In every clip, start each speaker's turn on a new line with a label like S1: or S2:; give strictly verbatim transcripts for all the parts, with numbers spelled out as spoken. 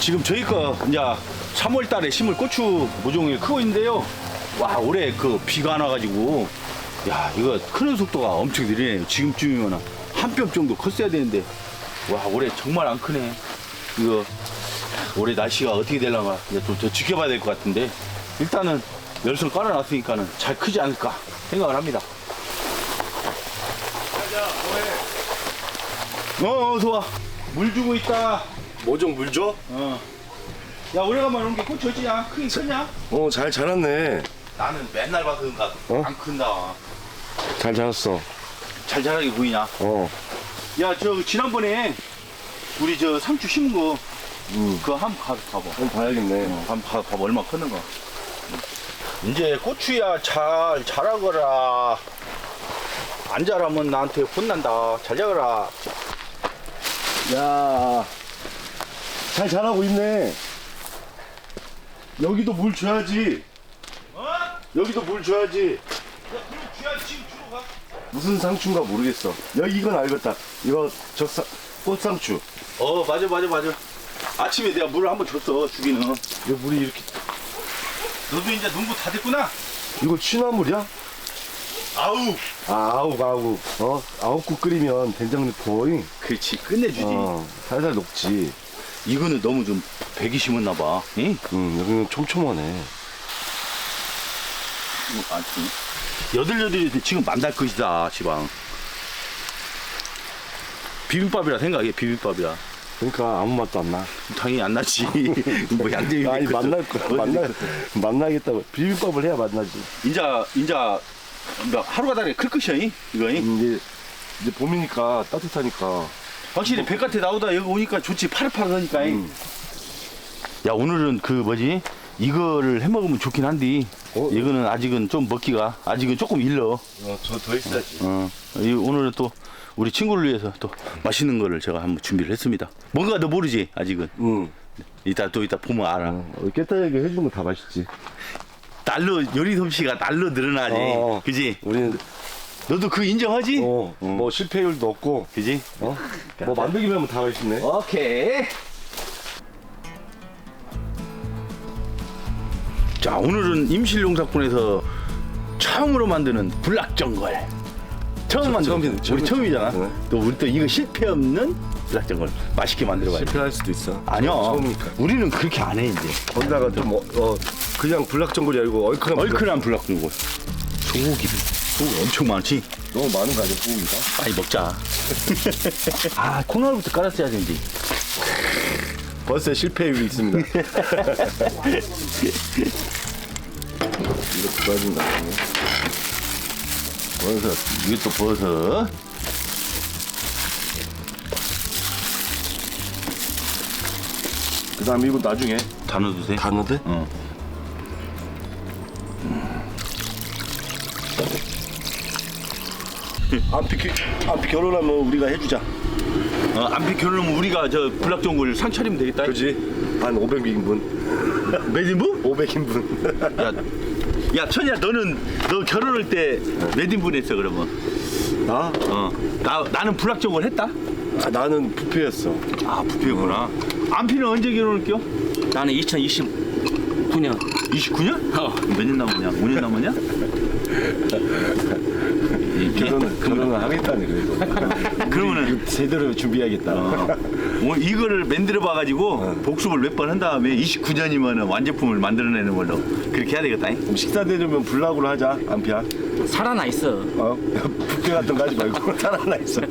S1: 지금 저희 거 이제 삼월 달에 심을 고추 모종이 크고 있는데요. 와, 올해 그 비가 안 와가지고 야, 이거 크는 속도가 엄청 느리네요. 지금쯤이면 한 뼘 정도 컸어야 되는데 와, 올해 정말 안 크네. 이거 올해 날씨가 어떻게 되려나 이제 좀 더 지켜봐야 될 것 같은데 일단은 열선 깔아놨으니까는 잘 크지 않을까 생각을 합니다. 어, 어서 와. 물 주고 있다.
S2: 모종 물 줘?
S1: 어. 야, 오래간만에 온 게 고추 어찌냐? 크긴 크냐?
S2: 어, 잘 자랐네.
S1: 나는 맨날 봐서 그런가
S2: 어?
S1: 안 큰다.
S2: 잘 자랐어.
S1: 잘 자라게 보이냐?
S2: 어.
S1: 야, 저 지난번에 우리 저 상추 심은 거
S2: 음.
S1: 그거 한번 가, 가봐.
S2: 한번 봐야겠네.
S1: 어, 한번 가, 봐봐. 얼마나 컸는가. 이제 고추야 잘 자라거라. 안 자라면 나한테 혼난다. 잘 자라라.
S2: 야, 잘 자라고 있네. 여기도 물 줘야지.
S1: 어?
S2: 여기도 물 줘야지.
S1: 야, 그럼 쥐야 지금 주러 가.
S2: 무슨 상추인가 모르겠어. 여기 이건 알겠다. 이거 적상 꽃상추.
S1: 어, 맞아, 맞아, 맞아. 아침에 내가 물을 한번 줬어, 주기는.
S2: 이거 물이 이렇게.
S1: 너도 이제 농부 다 됐구나?
S2: 이거 취나물이야?
S1: 아우!
S2: 아, 아욱 아욱. 어, 아욱국 끓이면 된장 넣고. 잉?
S1: 그렇지, 끝내주지.
S2: 어, 살살 녹지.
S1: 이거는 너무 좀 백이 심었나봐. 응?
S2: 응, 여기는 촘촘하네.
S1: 뭐, 아니, 여들여들이 지금 만날 것이다, 지방. 비빔밥이라 생각해, 비빔밥이라.
S2: 그러니까 아무 맛도 안 나.
S1: 당연히 안 나지. 뭐 양념이.
S2: 아니
S1: 있겠어.
S2: 만날 거야.
S1: 어디
S2: 만나
S1: 있겠어.
S2: 만나겠다고. 비빔밥을 해야 만나지.
S1: 인자, 인자, 뭐 하루가 다르게 클 것이야, 이? 이거. 이?
S2: 이제 이제 봄이니까 따뜻하니까.
S1: 확실히 바깥에 나오다 여기 오니까 좋지, 파릇파릇하니까. 이.
S2: 음.
S1: 야, 오늘은 그 뭐지? 이거를 해 먹으면 좋긴 한데,
S2: 어?
S1: 이거는 아직은 좀 먹기가, 아직은 조금 일러.
S2: 어, 저 더 있어야지.
S1: 어, 이 오늘은 또 우리 친구를 위해서 또 맛있는 거를 제가 한번 준비를 했습니다. 뭔가 너 모르지, 아직은.
S2: 응.
S1: 이따 또 이따 보면 알아.
S2: 어, 깨끗하게 해주는 거 다 맛있지.
S1: 날로 요리 솜씨가 날로 늘어나지.
S2: 어.
S1: 그지?
S2: 우리는
S1: 너도 그 인정하지?
S2: 어, 뭐 실패율도 없고,
S1: 그지?
S2: 어, 뭐 만들기만 하면 다 맛있네.
S1: 오케이. 자, 오늘은 임실용사꾼에서 처음으로 만드는 불락전골. 처음 만든
S2: 처음이네,
S1: 우리
S2: 처음이지.
S1: 처음이잖아.
S2: 네.
S1: 또 우리 또 이거 실패 없는 불락전골 맛있게 만들어봐야 돼.
S2: 실패할 수도 있어.
S1: 아니야.
S2: 처음이니까.
S1: 우리는 그렇게 안 해 이제.
S2: 거기다가 좀 어, 어 그냥 불락전골이 아니고 얼큰한.
S1: 얼큰한 불락전골. 소고기. 소고기 엄청 많지.
S2: 불락- 너무 많은 거 아니야, 소고기가?
S1: 빨리 먹자. 아, 콩나물부터 깔았어야 되는데.
S2: 벌써 실패율이 있습니다. 이거 좋아진다.
S1: 버섯. 이게 또 버섯.
S2: 그 다음에 이거 나중에
S1: 다 넣어주세요.
S2: 다 넣어도 돼?
S1: 어.
S2: 안피 안피 결혼하면 우리가 해주자.
S1: 어, 안피 결혼하면 우리가 저 불락전골 상 차리면 되겠다.
S2: 그지? 한 오백 인분.
S1: 몇 인분?
S2: 오백 인분.
S1: 야, 야, 천이야, 너는 너 결혼할 때 몇 인분 했어 그러면?
S2: 나?
S1: 어, 나 나는 불락전골 했다.
S2: 아, 나는 부패였어.
S1: 아, 부피구나. 안피는 언제 결혼할게요?
S3: 나는 이천이십구 년.
S1: 이십구 년?
S3: 어.
S1: 몇 년 남았냐? 오 년 남았냐?
S2: 결혼을 결혼을 하겠다네 그래도.
S1: 그러면은
S2: 제대로 준비해야겠다.
S1: 어, 오늘 이거를 만들어 봐가지고 복습을 몇 번 한 다음에 이십구 년이면 완제품을 만들어내는 걸로 그렇게 해야 되겠다.
S2: 그럼 식사 대접은 불락으로 하자. 안피야.
S3: 살아나 있어.
S2: 어? 부패 같은 거 하지 말고 살아나 있어.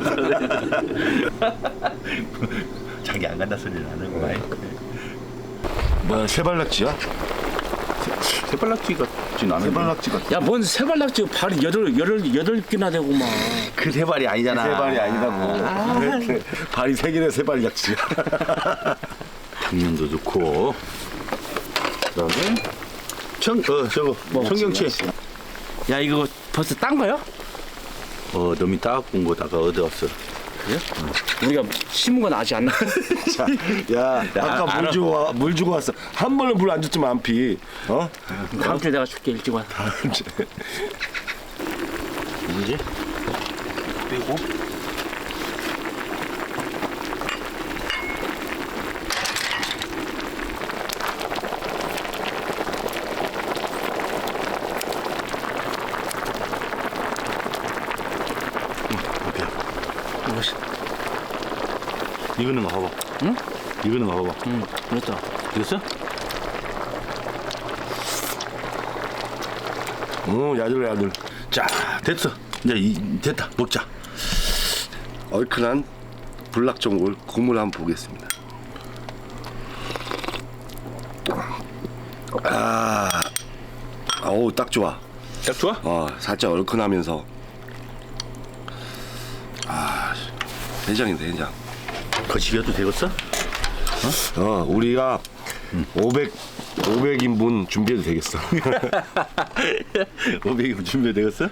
S1: 자기 안 간다 소리를 안 하고 많이.
S2: 뭐야 세발낙지야?
S1: 새빨락지 같진 않은데.
S2: 세발낙지 같아.
S3: 야, 뭔 세발낙지 발이 여덟, 여덟, 여덟 개나 되고만.
S1: 그 세발이 아니잖아.
S2: 세발이 아니라고. 발이 세 개네 세발낙지야.
S1: 당면도 넣고. 그다음에 청, 어 저거 청경채.
S3: 야, 이거 벌써 딴 거야?
S1: 어 너미 따갖고 온 거다가 얻어왔어.
S3: 우리가 심은 건 아직 안 나.
S2: 자, 야, 아까 물
S1: 알아.
S2: 주고 와, 물 주고 왔어. 한 번은 물 안 줬지만 안 피. 어?
S3: 다음 주에 내가 줄게, 일찍 와.
S1: 이제 빼고.
S3: 맛있.
S1: 이거는 거 봐봐.
S3: 응?
S1: 이거는 거 봐봐.
S3: 응, 그렇다.
S1: 됐어?
S2: 어, 야들야들.
S1: 자, 됐어. 이제 이, 됐다. 먹자.
S2: 얼큰한 불락전골 국물 한번 보겠습니다. 아, 어우 딱 좋아.
S1: 딱 좋아?
S2: 어, 살짝 얼큰하면서 아, 해장인데 해장.
S1: 거시기도 되겠어?
S2: 어, 우리가 오백 오백 인분 준비해도 되겠어.
S1: 오백이 준비 되겠어?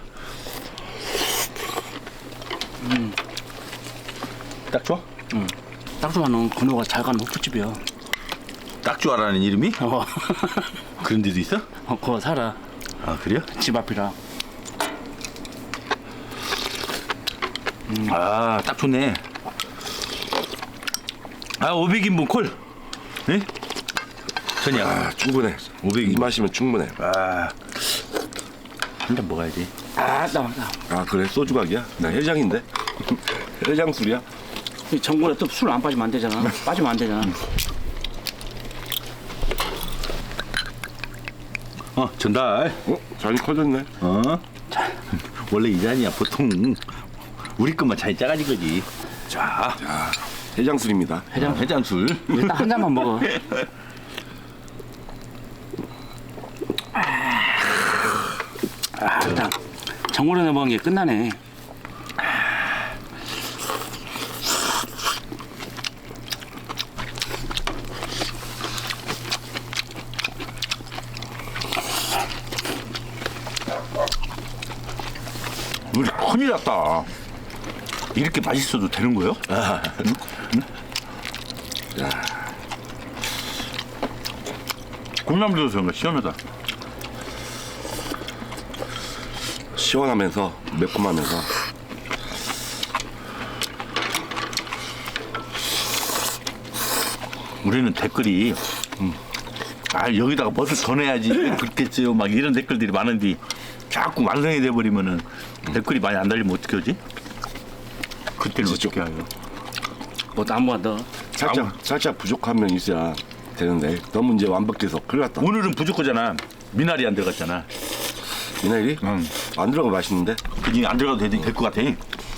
S3: 음.
S1: 딱 좋아?
S3: 응. 딱 좋아하는 건호가 잘 가는 호프집이야.
S1: 딱 좋아라는 이름이?
S3: 어.
S1: 그런 데도 있어?
S3: 어, 그거 살아.
S1: 아, 그래요?
S3: 집 앞이라.
S1: 아, 딱 좋네. 아, 오백 인분 콜. 네? 전이야.
S2: 아, 충분해.
S1: 오백
S2: 이
S1: 인분.
S2: 마시면 충분해.
S1: 아, 한 잔 먹어야지.
S3: 아, 나, 나.
S2: 아, 그래 소주각이야? 나 해장인데. 해장 술이야?
S3: 이 전골에 또 술 안 빠지면 안 되잖아. 빠지면 안 되잖아.
S1: 어, 전달.
S2: 어, 잔이 커졌네.
S1: 어? 원래 이 잔이야. 보통 우리 것만 잔이 작아진 거지. 자,
S2: 자, 해장 술입니다.
S3: 해장.
S1: 해장술.
S3: 일단 한 잔만 먹어. 아, 일단 전골에 넣어 먹은 게 끝나네.
S1: 우리 큰일 났다. 이렇게 맛있어도 되는 거요? 응? 응? 콩나물도 그런가 시원하다.
S2: 시원하면서 매콤하면서.
S1: 우리는 댓글이 음, 아 여기다가 버섯 더 내야지 그렇겠지요 막 이런 댓글들이 많은데 자꾸 완성이 돼버리면은 댓글이 많이 안 달리면 어떻게 하지? 그때는
S2: 그치,
S1: 어떻게 해요?
S3: 뭐 아무거나 넣어.
S2: 살짝
S1: 아무-
S2: 살짝 부족한 면 있어야 되는데 너무 이제 완벽해서 큰일 났다.
S1: 오늘은 부족하잖아. 미나리 안 들어갔잖아.
S2: 미나리?
S1: 응.
S2: 안 들어가 맛있는데?
S1: 그니 안 들어가도 될 것 같아.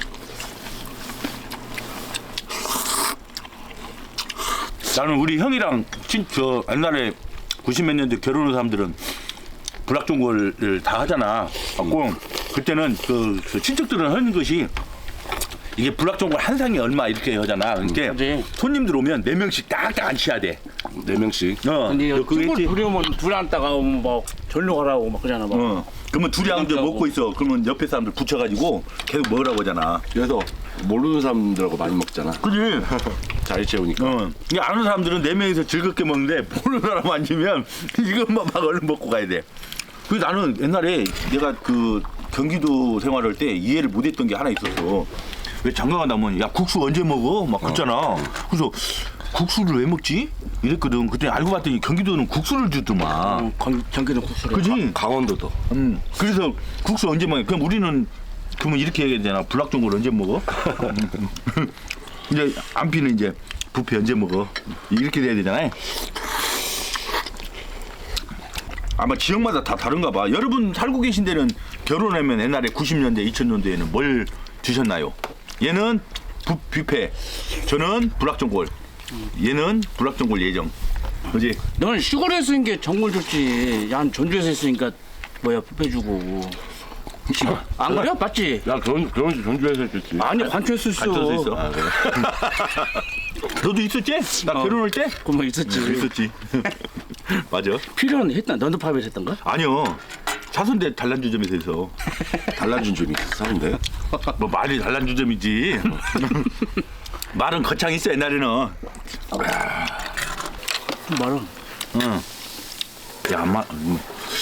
S1: 나는 우리 형이랑 친, 저 옛날에 구십 몇 년대 결혼한 사람들은 불락종골을 다 하잖아. 갖고 그때는 그, 그 친척들은 하는 것이 이게 불락종골 한 상이 얼마 이렇게 하잖아. 그러니까
S3: 그치.
S1: 손님들 오면 네 명씩 딱딱 앉혀야 돼.
S2: 네 명씩.
S1: 어.
S3: 근데
S1: 너 그거
S3: 쭈글
S1: 했지?
S3: 부려면 둘이 앉다가 막 전력하라고 막 그러잖아. 막.
S1: 어. 그러면 둘이 앉아 먹고 있어. 그러면 옆에 사람들 붙여가지고 계속 먹으라고 하잖아.
S2: 그래서 모르는 사람들하고 많이 먹잖아.
S1: 그지?
S2: 자리 채우니까.
S1: 어. 이 아는 사람들은 네 명이서 즐겁게 먹는데 모르는 사람 앉으면 이것만 막 얼른 먹고 가야 돼. 그래서 나는 옛날에 내가 그 경기도 생활할 때 이해를 못했던 게 하나 있었어. 왜 장가가 나면 야 국수 언제 먹어? 막 그랬잖아. 그래서 국수를 왜 먹지? 이랬거든. 그때 알고 봤더니 경기도는 국수를 주더만.
S3: 어, 건- 전기는 국수를.
S1: 그지?
S2: 강원도도.
S1: 음. 그래서 국수 언제 먹어? 그럼 우리는 그러면 이렇게 얘기해야 되나? 불락종골 언제 먹어? 이제 안피는 이제 부페 언제 먹어? 이렇게 돼야 되잖아요. 아마 지역마다 다 다른가 봐. 여러분 살고 계신 데는 결혼하면 옛날에 구십 년대, 이천 년대에는 뭘 드셨나요? 얘는 부, 뷔페, 저는 불락종골, 얘는 불락종골 예정. 그지?
S3: 너는 시골에서 있는 게 전골 좋지. 난 전주에서 있으니까 뭐야 뷔페 주고. 안 그래? 맞지?
S2: 야, 결혼, 결혼식 전주에서 했겠지.
S3: 아니 관초에서 있어.
S1: 관쳐서 있어.
S2: 아, 그래?
S1: 너도 있었지? 나
S3: 어.
S1: 결혼할 때?
S3: 그뭐 있었지.
S1: 있었지. 맞아.
S3: 필요는 했다. 너도 팝에서 했던가?
S1: 아니요. 사선대 단란주점에서 해서.
S2: 달라진 점이 있었는데.
S1: 뭐 말이 단란주점이지. 말은 거창 있어 옛날에는.
S3: 말은.
S1: 응. 야, 마. 음.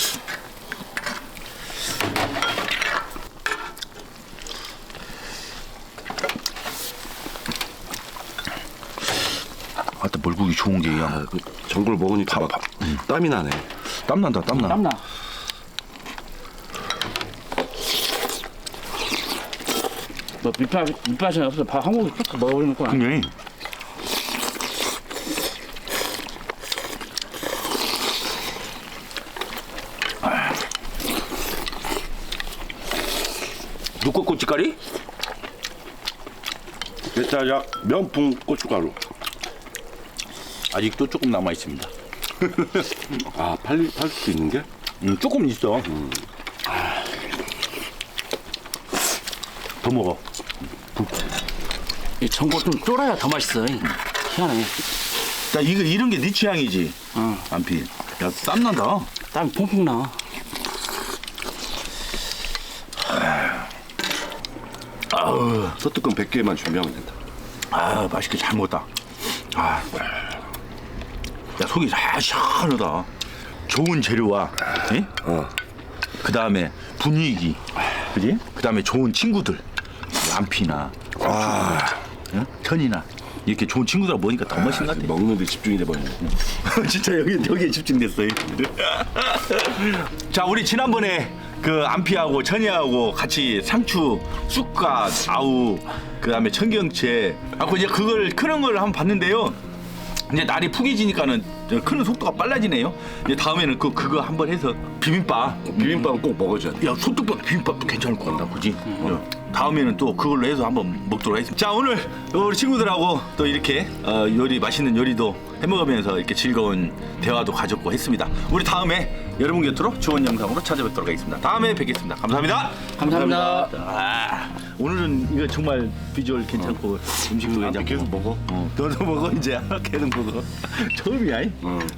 S1: 아따 멀국이 좋은 게
S2: 아,
S1: 야.
S2: 그 전골 먹으니까 막 땀이 나네.
S1: 땀 난다 땀 나.
S3: 땀나. 뭐 밑밥 밑밥이 없어. 밥 한 공기 쭉 먹어버리는 거야.
S1: 굉장히 누꺼꼬치가리?
S2: 대짜약 명품 고춧가루.
S1: 아직도 조금 남아 있습니다.
S2: 아, 팔, 팔 수도 있는 게?
S1: 음, 조금 있어. 음. 더 먹어.
S3: 이 전골 좀 쫄아야 더 맛있어. 희한해.
S1: 나 이거 이런 게 네 취향이지.
S3: 어.
S1: 안피. 야, 땀난다.
S3: 땀이 퐁퐁 나.
S1: 아우,
S2: 소뚜껑 백 개만 준비하면 된다.
S1: 아, 맛있게 잘 먹었다. 아, 야, 속이 다 시원하다. 좋은 재료와, 예?
S2: 어.
S1: 그 다음에 분위기, 그지? 그 다음에 좋은 친구들, 안피나,
S2: 아,
S1: 예? 천이나 이렇게 좋은 친구들하고 보니까 더 멋진 것 같아.
S2: 먹는데 집중이 돼버리네.
S1: 진짜 여기 여기에 집중됐어요. 자, 우리 지난번에 그 안피하고 천이하고 같이 상추, 쑥갓, 아우, 그 다음에 청경채, 하고 이제 그걸 크는 걸 한번 봤는데요. 이제 날이 푸개지니까는 크는 속도가 빨라지네요. 이제 다음에는 그 그거 한번 해서 비빔밥.
S2: 비빔밥은 꼭 먹어줘야 돼.
S1: 야, 소떡밥 비빔밥도 괜찮을 것 같다, 그지? 어. 다음에는 또 그걸로 해서 한번 먹도록 하겠습니다. 자, 오늘 우리 친구들하고 또 이렇게 어, 요리 맛있는 요리도 해먹으면서 이렇게 즐거운 대화도 가졌고 했습니다. 우리 다음에 여러분 곁으로 좋은 영상으로 찾아뵙도록 하겠습니다. 다음에 뵙겠습니다. 감사합니다.
S3: 감사합니다.
S1: 아, 오늘은 이거 정말 비주얼 괜찮고 음식도 괜찮고
S2: 계속 먹어.
S1: 어, 너도 먹어 이제 계속 먹어. 처음이야. 이?
S2: 응.